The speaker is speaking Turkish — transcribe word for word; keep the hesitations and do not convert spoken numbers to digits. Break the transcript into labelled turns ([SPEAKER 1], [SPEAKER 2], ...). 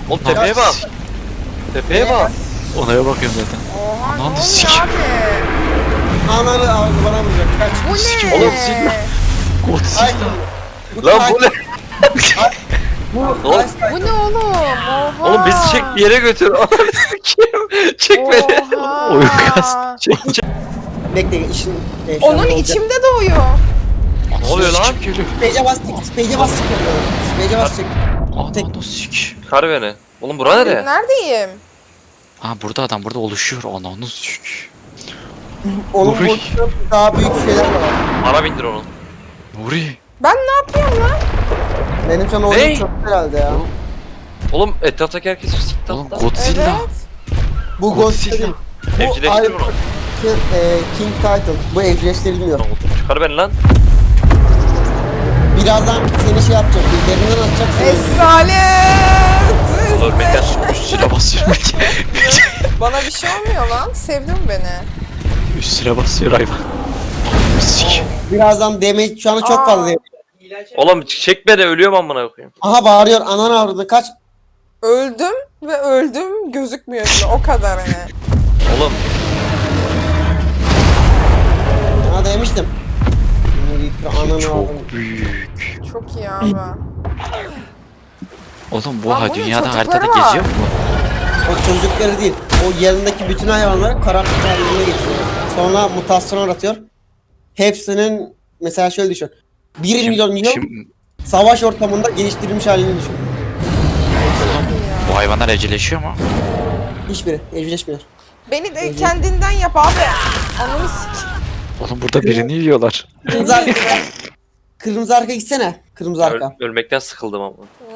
[SPEAKER 1] Oğlum tepeye bak. Tepeye bak.
[SPEAKER 2] Onaya bakıyorum zaten.
[SPEAKER 3] Oha ne
[SPEAKER 2] Ananı
[SPEAKER 3] oluyor
[SPEAKER 2] sikeyim.
[SPEAKER 3] abi?
[SPEAKER 4] Ananı aldı bana vuracak. Kaç.
[SPEAKER 3] Bu ne?
[SPEAKER 2] Sikim
[SPEAKER 1] oğlum, sikim.
[SPEAKER 4] Ay.
[SPEAKER 1] Lan bu ne?
[SPEAKER 4] Bu
[SPEAKER 1] Oğlum.
[SPEAKER 3] Bu ne oğlum? Oha.
[SPEAKER 1] Oğlum bizi çek bir yere götür. Ananı sikeyim. Çek beni.
[SPEAKER 3] Oha.
[SPEAKER 2] Oyun kastı.
[SPEAKER 1] Çek çek.
[SPEAKER 4] bekle işin. e, şu
[SPEAKER 3] Onun
[SPEAKER 4] anda olacak.
[SPEAKER 3] içimde doğuyor.
[SPEAKER 1] Ne oluyor lan?
[SPEAKER 4] Space'e bas tık. Space'e bas tık. Space'e bas tık.
[SPEAKER 2] Ananı sik.
[SPEAKER 1] Kar beni. Oğlum bura nere?
[SPEAKER 3] Neredeyim?
[SPEAKER 2] Ha burada adam burada oluşuyor. Ananı sik.
[SPEAKER 4] Onun
[SPEAKER 2] Nuri.
[SPEAKER 4] boyutunda daha büyük şeyler var.
[SPEAKER 1] Bana bindir onu.
[SPEAKER 2] Nuri.
[SPEAKER 3] Ben ne yapıyorum lan?
[SPEAKER 4] Benim sana
[SPEAKER 1] Hey!
[SPEAKER 4] oyun çok herhalde ya.
[SPEAKER 1] Oğlum etraftaki herkes sikti
[SPEAKER 2] Oğlum
[SPEAKER 1] hatta.
[SPEAKER 2] Godzilla.
[SPEAKER 3] Evet.
[SPEAKER 4] Bu
[SPEAKER 2] Godzilla.
[SPEAKER 4] Ghost değil. Bu
[SPEAKER 1] Evcilleştir
[SPEAKER 4] Iron-
[SPEAKER 1] bunu.
[SPEAKER 4] e, King Titan. Bu evcilleştirilmiyor.
[SPEAKER 1] Çıkar beni lan.
[SPEAKER 4] Birazdan seni şey yapacak. Derinden atacak seni.
[SPEAKER 3] Esalet.
[SPEAKER 1] Ölmekten
[SPEAKER 2] Üstüne basıyorum.
[SPEAKER 3] Bana bir şey olmuyor lan. Sevdin beni.
[SPEAKER 2] Üstüne basıyor hayvan. Ananı sik.
[SPEAKER 4] Birazdan damage şu anda çok
[SPEAKER 3] Aa.
[SPEAKER 4] fazla damage.
[SPEAKER 1] Oğlum çek beni, ölüyorum amına koyayım.
[SPEAKER 4] Aha bağırıyor. Ananı avradı. Kaç.
[SPEAKER 3] Öldüm ve öldüm gözükmüyor bile. O kadar hani.
[SPEAKER 1] Oğlum
[SPEAKER 4] Sana demiştim. Ananı avradı.
[SPEAKER 2] Çok büyük.
[SPEAKER 3] Çok iyi abi.
[SPEAKER 2] Oğlum bu
[SPEAKER 3] Lan
[SPEAKER 2] ha
[SPEAKER 3] bunun
[SPEAKER 2] dünyada
[SPEAKER 3] çocukları
[SPEAKER 2] haritada
[SPEAKER 3] var.
[SPEAKER 2] geziyor mu?
[SPEAKER 4] O çocukları değil. O yanındaki bütün hayvanları karanlık haline getiriyor. Sonra mutasyon uğratıyor. Hepsinin mesela şöyle düşün. bir milyon yıl
[SPEAKER 2] Şimdi,
[SPEAKER 4] savaş ortamında geliştirilmiş halini düşün.
[SPEAKER 2] bu hayvanlar evcilleşiyor mu?
[SPEAKER 4] Hiçbiri evcilleşmiyor.
[SPEAKER 3] Beni de kendinden yap abi. Ananı sik.
[SPEAKER 2] Oğlum burada birini yiyorlar.
[SPEAKER 4] Kırmızı arka. Kırmızı arka gitsene. Kırmızı arka.
[SPEAKER 1] öl- ölmekten sıkıldım ama.